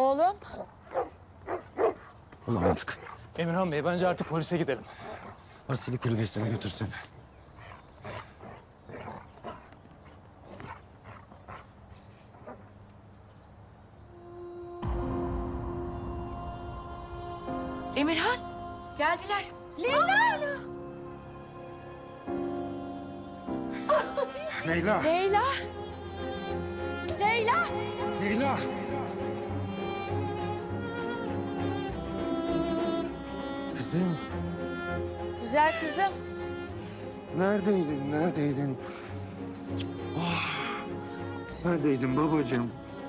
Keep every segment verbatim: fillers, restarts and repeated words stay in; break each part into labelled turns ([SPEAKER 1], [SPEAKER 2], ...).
[SPEAKER 1] Oğlum.
[SPEAKER 2] Bulamadık.
[SPEAKER 3] Emirhan Bey, bence artık polise gidelim.
[SPEAKER 2] Asili kulübesine götürsene.
[SPEAKER 1] Emirhan. Geldiler. Leyla.
[SPEAKER 2] Leyla!
[SPEAKER 1] Leyla. Leyla.
[SPEAKER 2] Leyla! Kızım,
[SPEAKER 1] Güzel kızım.
[SPEAKER 2] neredeydin, neredeydin? Oh, neredeydin babacığım?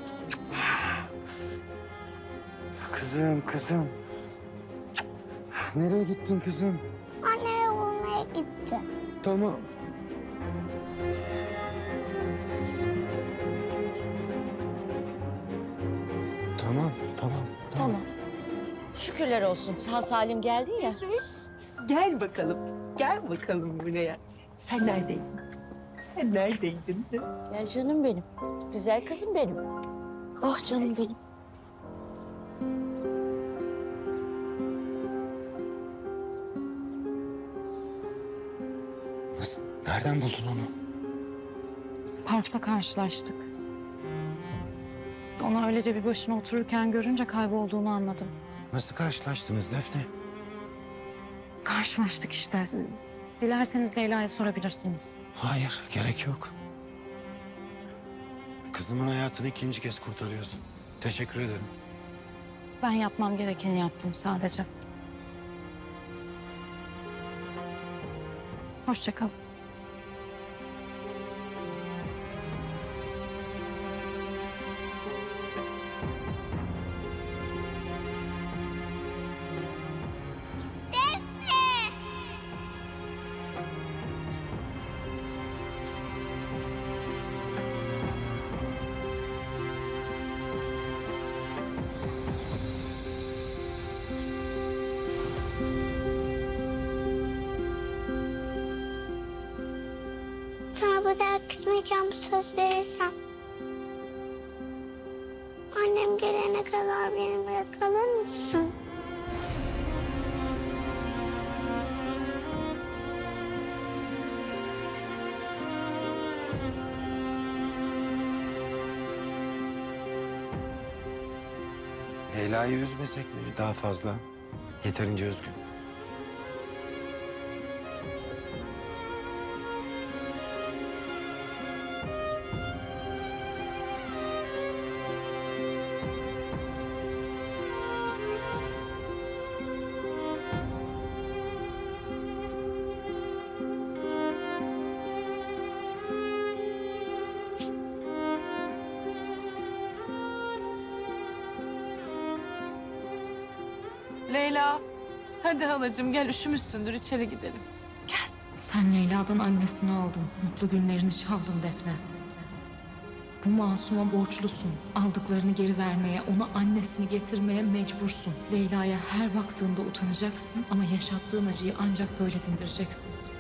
[SPEAKER 2] Kızım, kızım. Nereye gittin kızım?
[SPEAKER 4] Annemi bulmaya gitti.
[SPEAKER 2] Tamam. Tamam, tamam.
[SPEAKER 1] Tamam. Şükürler olsun. Sağ salim geldin ya.
[SPEAKER 5] Gel bakalım. Gel bakalım buraya. Sen neredeydin? Sen neredeydin?
[SPEAKER 1] Gel canım benim. Güzel kızım benim. Oh canım benim.
[SPEAKER 2] Nasıl? Nereden buldun onu?
[SPEAKER 6] Parkta karşılaştık. Onu öylece bir başına otururken görünce kaybolduğunu anladım.
[SPEAKER 2] Nasıl karşılaştınız Defne?
[SPEAKER 6] Karşılaştık işte. Dilerseniz Leyla'ya sorabilirsiniz.
[SPEAKER 2] Hayır, gerek yok. Kızımın hayatını ikinci kez kurtarıyorsun. Teşekkür ederim.
[SPEAKER 6] Ben yapmam gerekeni yaptım sadece. Hoşça kal.
[SPEAKER 4] Sana bir daha kızmayacağım söz verirsem. Annem gelene kadar benimle kalır mısın?
[SPEAKER 2] Leyla'yı üzmesek mi daha fazla? Yeterince üzgün.
[SPEAKER 5] Leyla. Hadi halacığım gel üşümüşsündür içeri gidelim.
[SPEAKER 6] Sen Leyla'dan annesini aldın. Mutlu günlerini çaldın Defne. Bu masuma borçlusun. Aldıklarını geri vermeye, ona annesini getirmeye mecbursun. Leyla'ya her baktığında utanacaksın ama yaşattığın acıyı ancak böyle dindireceksin.